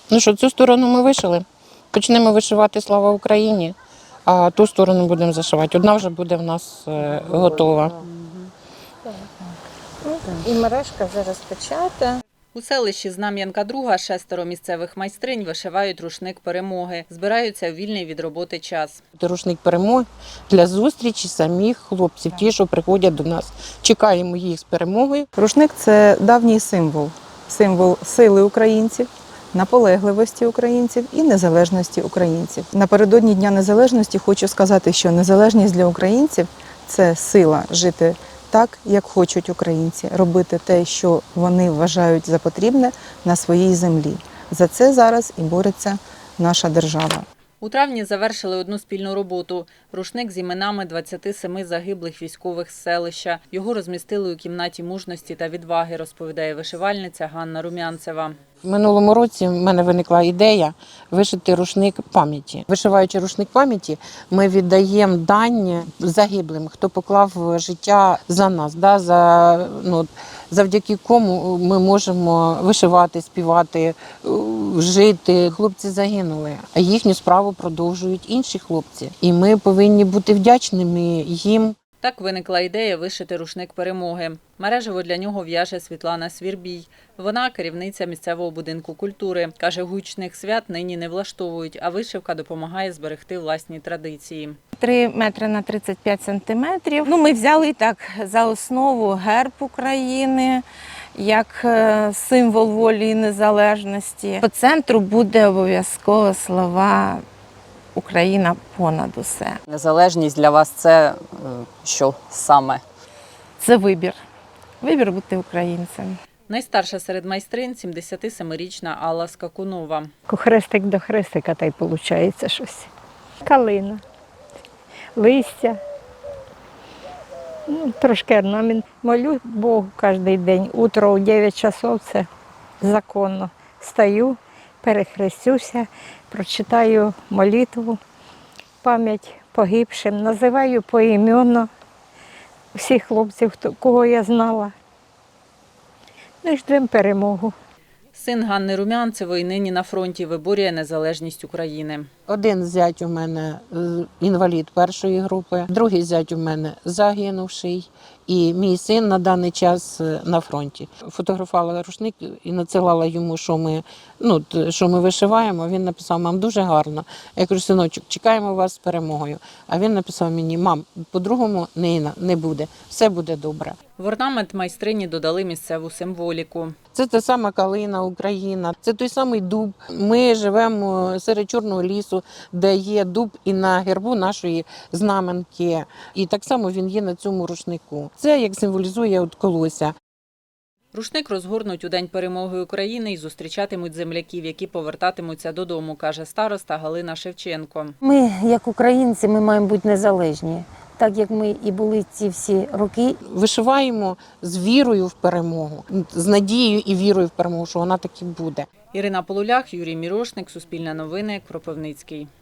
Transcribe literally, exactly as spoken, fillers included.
Ну що, цю сторону ми вишили. Почнемо вишивати «Слава Україні», а ту сторону будемо зашивати. Одна вже буде в нас е, готова. І мережка вже розпочата. У селищі Знам'янка-Друга шестеро місцевих майстринь вишивають рушник перемоги. Збираються у вільний від роботи час. Рушник перемоги для зустрічі самих хлопців, ті, що приходять до нас. Чекаємо їх з перемогою. Рушник – це давній символ. Символ сили українців, наполегливості українців і незалежності українців. Напередодні Дня Незалежності хочу сказати, що незалежність для українців – це сила жити так, як хочуть українці, робити те, що вони вважають за потрібне на своїй землі. За це зараз і бореться наша держава. У травні завершили одну спільну роботу – рушник з іменами двадцяти семи загиблих військових з селища. Його розмістили у кімнаті мужності та відваги, розповідає вишивальниця Ганна Румянцева. В минулому році в мене виникла ідея вишити рушник пам'яті. Вишиваючи рушник пам'яті, ми віддаємо дань загиблим, хто поклав життя за нас, да, за, ну, завдяки кому ми можемо вишивати, співати, жити. Хлопці загинули, а їхню справу продовжують інші хлопці. І ми повинні бути вдячними їм. Так виникла ідея вишити рушник перемоги. Мережево для нього в'яже Світлана Свірбій. Вона – керівниця місцевого будинку культури. Каже, гучних свят нині не влаштовують, а вишивка допомагає зберегти власні традиції. три метри на тридцять п'ять сантиметрів. Ну, ми взяли так за основу герб України, як символ волі і незалежності. По центру буде обов'язково слова «Україна понад усе». Незалежність для вас – це що саме? Це вибір. Вибір бути українцем. Найстарша серед майстринь – сімдесятисемирічна Алла Скакунова. Хрестик до хрестика, та й виходить щось. Калина, листя, ну, трошки орнамент. Молю Богу кожен день. Утро у дев'ять часов – це законно. Стаю, перехрестюся, прочитаю молитву, пам'ять погибшим, називаю поіменно всіх хлопців, кого я знала. Ну і ждемо перемогу. Син Ганни Румянцевої нині на фронті виборює незалежність України. Один зять у мене інвалід першої групи, другий зять у мене загинувший, і мій син на даний час на фронті. Фотографувала рушник і надсилала йому, що ми, ну, що ми вишиваємо. Він написав: мам, дуже гарно. Я кажу: синочок, чекаємо вас з перемогою. А він написав мені: мам, по-другому не, не буде, все буде добре. В орнамент майстрині додали місцеву символіку. Це та сама калина Україна, це той самий дуб. Ми живемо серед Чорного лісу, де є дуб і на гербу нашої знаменки. І так само він є на цьому рушнику. Це як символізує от колося. Рушник розгорнуть у День перемоги України і зустрічатимуть земляків, які повертатимуться додому, каже староста Галина Шевченко. Ми, як українці, ми маємо бути незалежні. Так як ми і були ці всі роки. Вишиваємо з вірою в перемогу, з надією і вірою в перемогу, що вона таки буде. Ірина Полулях, Юрій Мірошник, Суспільне новини, Кропивницький.